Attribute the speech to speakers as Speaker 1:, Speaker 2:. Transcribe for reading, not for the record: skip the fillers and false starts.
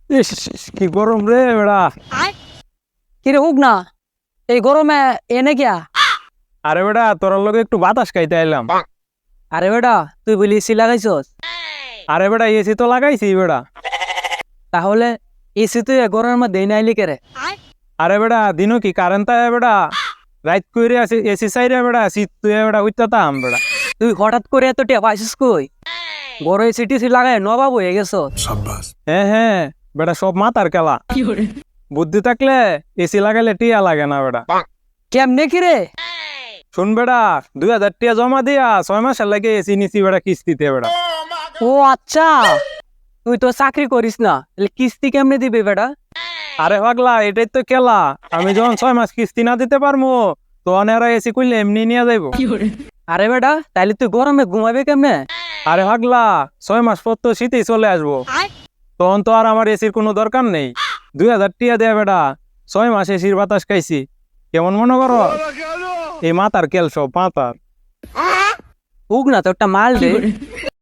Speaker 1: ইস, কি গরম রে বেড়া।
Speaker 2: কিরে হুক না, এই গরমে এনে গিয়া।
Speaker 1: আরে বেড়া তোর লগে একটু বাতাস খাইতে আইলাম।
Speaker 2: আরে বেটা তুই বলি এসি লাগাইছস,
Speaker 1: আরে বেড়া এসি তো লাগাইছি বেড়া।
Speaker 2: তাহলে এসি তুই গরমের মধ্যে নাইলি কেরে?
Speaker 1: আরে বেড়া দিনও কি কারেন্ট আয় বেড়া, রাত কইরে আসি এসি চাইরে বেড়া, শীত তুই বেড়া উইতাতাম বেড়া।
Speaker 2: তুই হঠাৎ করে এত টিয়া পাইছিস কই? বড় এসি টিসি লাগাই নবাব হয়ে গেছ।
Speaker 1: হ্যাঁ হ্যাঁ বেড়া, সব মাথার খেলা। বুদ্ধি থাকলে এসি লাগাইলে টিয়া লাগে না বেড়া।
Speaker 2: কেমনে কিরে?
Speaker 1: শুন বেড়া, 2000 টিয়া জমা দিয়া 6 মাসের লাগে এসি নিছি বেড়া কিস্তিতে বেড়া।
Speaker 2: ও আচ্ছা, তুই তো চাকরি করিস না, তাহলে কিস্তি কেমনে দিবি বেটা?
Speaker 1: আরে পাগলা এটাই তো খেলা, আমি যখন 6 মাস কিস্তি না দিতে পারবো তখন এরা এসি করলে এমনি নিয়ে যাইবো।
Speaker 2: আরে বেটা তাইলে তুই গরমে ঘুমাবি কেমনে?
Speaker 1: আরে পাগলা 6 মাস পর তো শীতেই চলে আসবো, তখন তো আর আমার এসির কোনো দরকার নেই। 2000 টিয়া দেয়া বেটা, 6 মাস এসির বাতাস খাইছি, কেমন মনে করো? এই মাথার কেল সব মাথার।
Speaker 2: হুক না তো একটা মাল দে।